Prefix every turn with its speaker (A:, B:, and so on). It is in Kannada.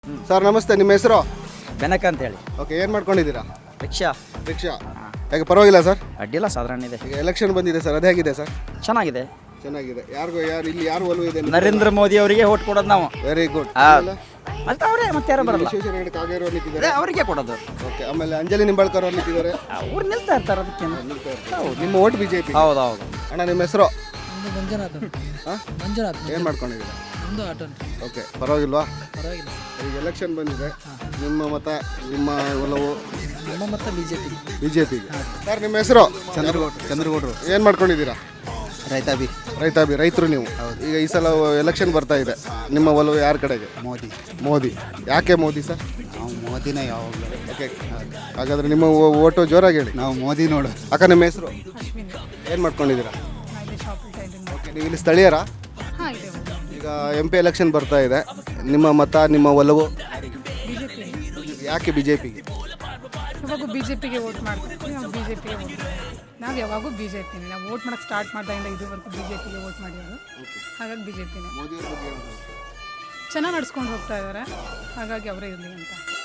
A: ಸರ್ ನಮಸ್ತೆ, ನಿಮ್ಮ ಹೆಸರು?
B: ಬೆನಕ ಅಂತ ಹೇಳಿ.
A: ಓಕೆ, ಏನು ಮಾಡ್ಕೊಂಡಿದ್ದೀರಾ?
B: ರಿಕ್ಷಾ.
A: ಯಾಕೆ ಪರವಾಗಿಲ್ಲ ಸರ್?
B: ಅಡ್ಡಿಲ್ಲ, ಸಾಧಾರಣ ಇದೆ.
A: ಈಗ ಎಲೆಕ್ಷನ್ ಬಂದಿದೆ ಸರ್, ಅದು ಹೇಗಿದೆ ಸರ್?
B: ಚೆನ್ನಾಗಿದೆ.
A: ಚೆನ್ನಾಗಿದೆ. ಇಲ್ಲಿ ಯಾರು ಒಲವು ಇದೆ?
B: ನರೇಂದ್ರ ಮೋದಿ ಅವರಿಗೆ ಓಟ್ ಕೊಡೋದು ನಾವು.
A: Very good.
B: ಮತ್ತೆ ಅವರೇ, ಮತ್ತೆ ಯಾರು ಬರಲ್ಲ,
A: ವಿಶ್ವೇಶ್ವರ ಹೆಗಡೆ ಕಾಗೇರಿ ಅವರು ನಿಂತಿದ್ದಾರೆ,
B: ಅವರಿಗೆ ಕೊಡೋದು.
A: ಓಕೆ. ಆಮೇಲೆ ಅಂಜಲಿ ನಿಂಬಾಳ್ಕರ್ ಅವರು ನಿಂತಿದ್ದಾರೆ,
B: ಅವ್ರು ನಿಲ್ತಾ ಇರ್ತಾರೆ. ಅದಕ್ಕೆ
A: ನಿಮ್ಮ ಓಟ್ ಬಿಜೆಪಿ?
B: ಹೌದು.
A: ಅಣ್ಣ, ನಿಮ್ಮ ಹೆಸರು?
C: ಮಂಜುನಾಥ್.
A: ಏನು ಮಾಡ್ಕೊಂಡಿದ್ದೀರಾ?
C: ಒಂದು ಆಟೋ.
A: ಓಕೆ, ಪರವಾಗಿಲ್ವಾ?
C: ಪರವಾಗಿಲ್ಲ.
A: ಈಗ ಎಲೆಕ್ಷನ್ ಬಂದಿದೆ, ನಿಮ್ಮ ಮತ, ನಿಮ್ಮ ಒಲವು?
C: ನಮ್ಮ ಮತ
A: ಬಿಜೆಪಿಗೆ. ಸರ್ ನಿಮ್ಮ ಹೆಸರು?
D: ಚಂದ್ರಗೌಡರು.
A: ಏನು ಮಾಡ್ಕೊಂಡಿದ್ದೀರಾ?
D: ರೈತಾಬಿ.
A: ರೈತರು ನೀವು. ಈಗ ಈ ಸಲ ಎಲೆಕ್ಷನ್ ಬರ್ತಾ ಇದೆ, ನಿಮ್ಮ ಒಲವು ಯಾರ ಕಡೆಗೆ? ಮೋದಿ. ಯಾಕೆ ಮೋದಿ ಸರ್?
D: ನಾವು ಮೋದಿನ ಯಾವಾಗಲೂ.
A: ಓಕೆ, ಹಾಗಾದ್ರೆ ನಿಮ್ಮ ಓಟು ಜೋರಾಗಿ ಹೇಳಿ.
D: ನಾವು ಮೋದಿ ನೋಡು.
A: ಅಕ್ಕ, ನಿಮ್ಮ ಹೆಸರು? ಏನು ಮಾಡ್ಕೊಂಡಿದ್ದೀರಾ? ಓಕೆ, ನೀವು ಇಲ್ಲಿ ಸ್ಥಳೀಯರಾ? ಈಗ MP ಎಲೆಕ್ಷನ್ ಬರ್ತಾ ಇದೆ, ನಿಮ್ಮ ಮತ, ನಿಮ್ಮ ಒಲವು? ಯಾಕೆ ಬಿಜೆಪಿಗೆ?
E: ಯಾವಾಗೂ ಬಿಜೆಪಿಗೆ ವೋಟ್ ಮಾಡ್ತೀವಿ. ನಾವು ಬಿಜೆಪಿಗೆ ವೋಟ್ ಮಾಡ್ತೀವಿ. ನಾವು ಯಾವಾಗೂ ಬಿಜೆಪಿನೇ. ನಾವು ವೋಟ್ ಮಾಡೋಕ್ಕೆ ಸ್ಟಾರ್ಟ್ ಮಾಡಿದಾಗಿಂದ ಇದುವರೆಗೂ ಬಿಜೆಪಿಗೆ ವೋಟ್ ಮಾಡಿರೋದು. ಹಾಗಾಗಿ ಬಿಜೆಪಿನೇ. ಚೆನ್ನಾಗಿ ನಡ್ಸ್ಕೊಂಡು ಹೋಗ್ತಾ ಇದ್ದಾರೆ, ಹಾಗಾಗಿ ಅವರೇ ಇರಲಿ ಅಂತ.